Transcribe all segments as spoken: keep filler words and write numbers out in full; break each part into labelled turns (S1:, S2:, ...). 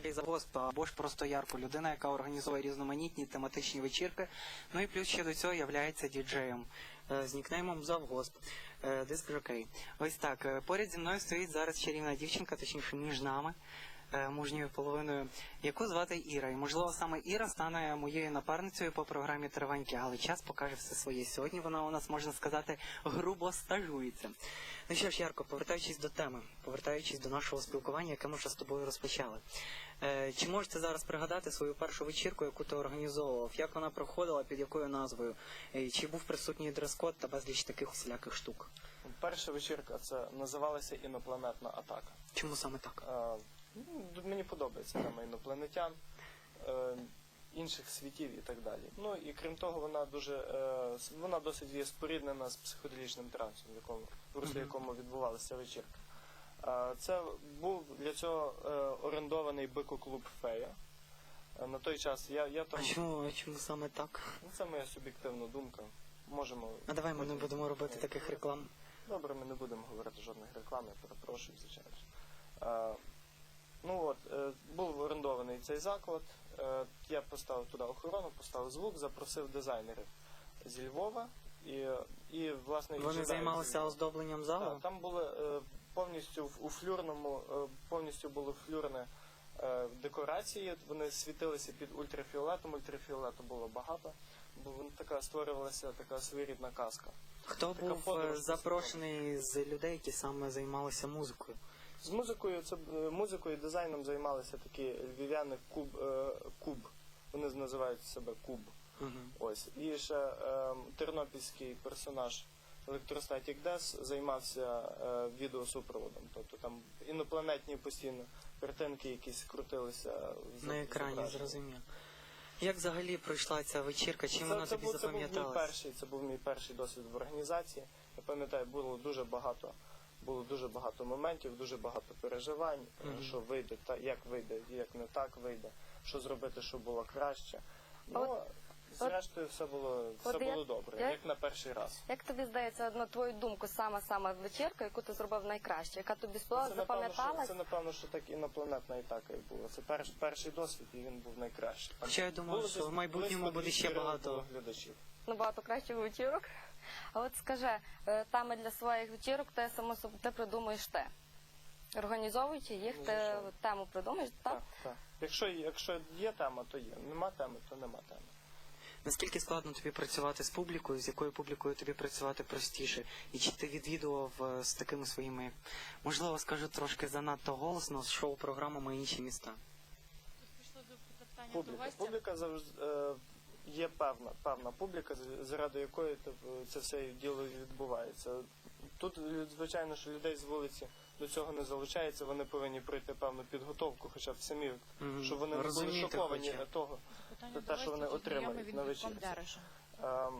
S1: Яркий завгосп, або ж просто Ярко, людина, яка організовує різноманітні тематичні вечірки, ну і плюс ще до цього являється діджеєм з нікнеймом Завгосп, диск-жокей. Ось так, поряд зі мною стоїть зараз чарівна дівчинка, точніше між нами, мужньою половиною, яку звати Іра. І, можливо, саме Іра стане моєю напарницею по програмі «Триваньки», але час покаже все своє. Сьогодні вона у нас, можна сказати, грубо стажується. Ну що ж, Ярко, повертаючись до теми, повертаючись до нашого спілкування, яке ми вже з тобою розпочали. Е, чи можете зараз пригадати свою першу вечірку, яку ти організовував? Як вона проходила, під якою назвою? Е, чи був присутній дрес-код та безліч таких усіляких штук?
S2: Перша вечірка, це називалася «Інопланетна атака».
S1: Чому саме так?
S2: Е, ну, мені подобається тема інопланетян, е, інших світів і так далі. Ну і крім того, вона дуже, е, вона досить є споріднена з психоделічним трансом, в якому, в руслі якому відбувалася вечірка. Е, це був для цього е, орендований бико-клуб «Фея». Е, на той час я, я там...
S1: А чому, а чому саме так?
S2: Ну, це моя суб'єктивна думка. Можемо...
S1: А давай ми не будемо робити
S2: Ні.
S1: таких реклам.
S2: Добре, ми не будемо говорити жодних реклам, я перепрошую, звичайно. Е, ну от, е, був орендований цей заклад, е, я поставив туди охорону, поставив звук, запросив дизайнерів зі Львова. І, і власне,
S1: Вони займалися оздобленням залу?
S2: Так, там були е, повністю в, у флюрному, е, повністю було флюрне е, декорації, вони світилися під ультрафіолетом, ультрафіолету було багато, бо така створювалася така своєрідна казка.
S1: Хто
S2: така
S1: був запрошений з людей, які саме займалися музикою?
S2: З музикою, це музикою і дизайном займалися такі львів'яни Куб, е, Куб. Вони називають себе Куб.
S1: Угу.
S2: Ось. І ще е, тернопільський персонаж Electrostatic Death займався е, відеосупроводом. Тобто там інопланетні постійно картинки якісь крутилися
S1: на екрані, зрозуміло. Як взагалі пройшла ця вечірка? Чим
S2: це,
S1: вона
S2: це
S1: тобі
S2: був,
S1: запам'яталась?
S2: Це був мій перший, це був мій перший досвід в організації. Я пам'ятаю, було дуже багато, було дуже багато моментів, дуже багато переживань, mm-hmm. що вийде, та як вийде, як не так вийде, що зробити, щоб було краще. Ну, от, зрештою, все було, все було як, добре, як, як на перший раз.
S3: Як тобі здається, на твою думку, сама-сама вечірка, яку ти зробив найкраще, яка тобі
S2: це,
S3: запам'яталась?
S2: Це, напевно, що так інопланетна атака і була. Це перш, перший досвід, і він був найкращий.
S1: Хоча я думаю, що в майбутньому буде ще багато
S2: глядачів.
S3: Набагато кращих вечірок. А от скажи, теми для своїх вечірок ти, само собі, ти придумуєш ти. Організовуючи їх, ти
S2: Звичайно.
S3: Тему придумаєш, так?
S2: Так, так. Якщо, якщо є тема, то є. Нема теми, то нема теми.
S1: Наскільки складно тобі працювати з публікою, з якою публікою тобі працювати простіше? І чи ти відвідував з такими своїми, можливо, скажу трошки занадто голосно, з шоу-програмами «Інші міста»?
S2: Публіка. Публіка завжди е, є певна, певна публіка, заради якої це все діло відбувається. Тут, звичайно, що людей з вулиці до цього не залучається, вони повинні пройти певну підготовку, хоча б самі, mm-hmm. щоб вони не були шоковані того, те, що вони отримають на вечірці. Ем,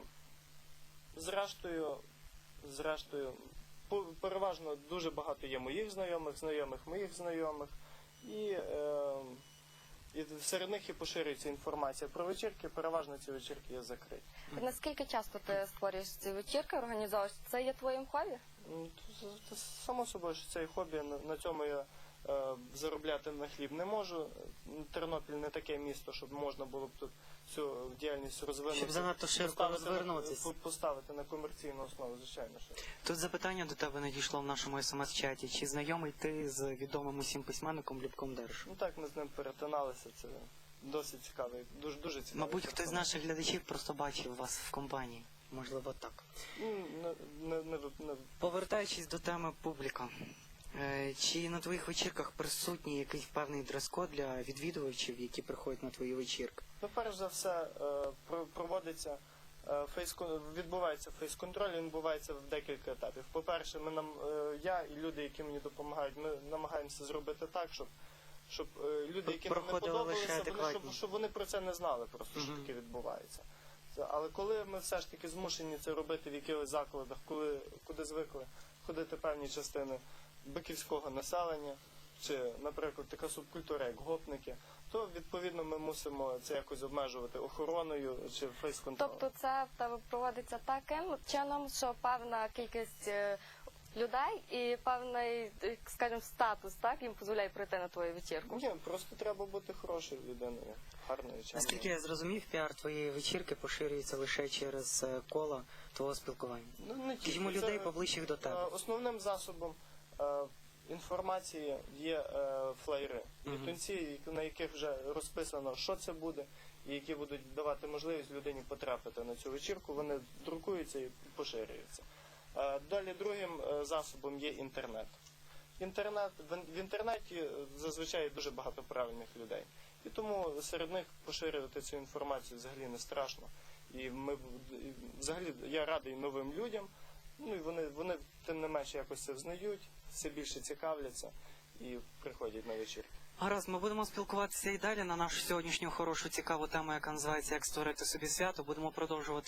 S2: зрештою, зрештою, переважно дуже багато є моїх знайомих, знайомих моїх знайомих, і, ем, і серед них і поширюється інформація про вечірки, переважно ці вечірки є закриті.
S3: Наскільки часто ти створюєш ці вечірки, організовуєш? Це є твоїм хобі?
S2: Само собою, що це хобі, на цьому я е, заробляти на хліб не можу. Тернопіль не таке місто, щоб можна було б тут цю діяльність розвинути.
S1: Щоб занадто широко розвернутися.
S2: Поставити на комерційну основу, звичайно. Що.
S1: Тут запитання до тебе надійшло в нашому смс-чаті. Чи знайомий ти з відомим усім письменником Любком Дершем?
S2: Ну так, ми з ним перетиналися, це досить цікавий, дуже, дуже цікавий.
S1: Мабуть, хтось з наших глядачів просто бачив вас в компанії. Можливо, так.
S2: Не, не, не, не...
S1: Повертаючись до теми публіка, чи на твоїх вечірках присутній якийсь певний дрес-код для відвідувачів, які приходять на твої вечірки?
S2: Ну, перш за все, проводиться фейс-контроль, відбувається фейс-контроль, він відбувається в декілька етапів. По-перше, ми нам, я і люди, які мені допомагають, ми намагаємося зробити так, щоб щоб люди, які нам не подобалися, вони, щоб, щоб вони про це не знали просто, що mm-hmm. таке відбувається. Але коли ми все ж таки змушені це робити в якихось закладах, коли, куди звикли ходити певні частини биківського населення, чи, наприклад, така субкультура, як гопники, то, відповідно, ми мусимо це якось обмежувати охороною чи фейс-контролем.
S3: Тобто це в тебе проводиться таким чином, що певна кількість людей і певний, е, скажімо, статус, так, їм дозволяє прийти на твою вечірку.
S2: Ні, просто треба бути хорошою людиною, гарною,
S1: Наскільки
S2: чемною.
S1: я зрозумів, піар твоєї вечірки поширюється лише через е, коло твого спілкування.
S2: Ну, не тільки.
S1: Скажімо,
S2: Це,
S1: людей поближчих до
S2: е,
S1: тебе.
S2: Основним засобом е, інформації є е, флеєри,
S1: Мгм.
S2: літунці, на яких вже розписано, що це буде, і які будуть давати можливість людині потрапити на цю вечірку. Вони друкуються і поширюються. Е, Далі другим е, засобом є інтернет. Інтернет в ін- в інтернеті е, зазвичай дуже багато правильних людей. І тому серед них поширювати цю інформацію взагалі не страшно. І ми б- і взагалі я радий новим людям. Ну і вони, вони тим не менше якось це взнають, все більше цікавляться і приходять на вечірки.
S1: Гаразд, ми будемо спілкуватися і далі на нашу сьогоднішню хорошу цікаву тему, яка називається «Як створити собі свято». Будемо продовжувати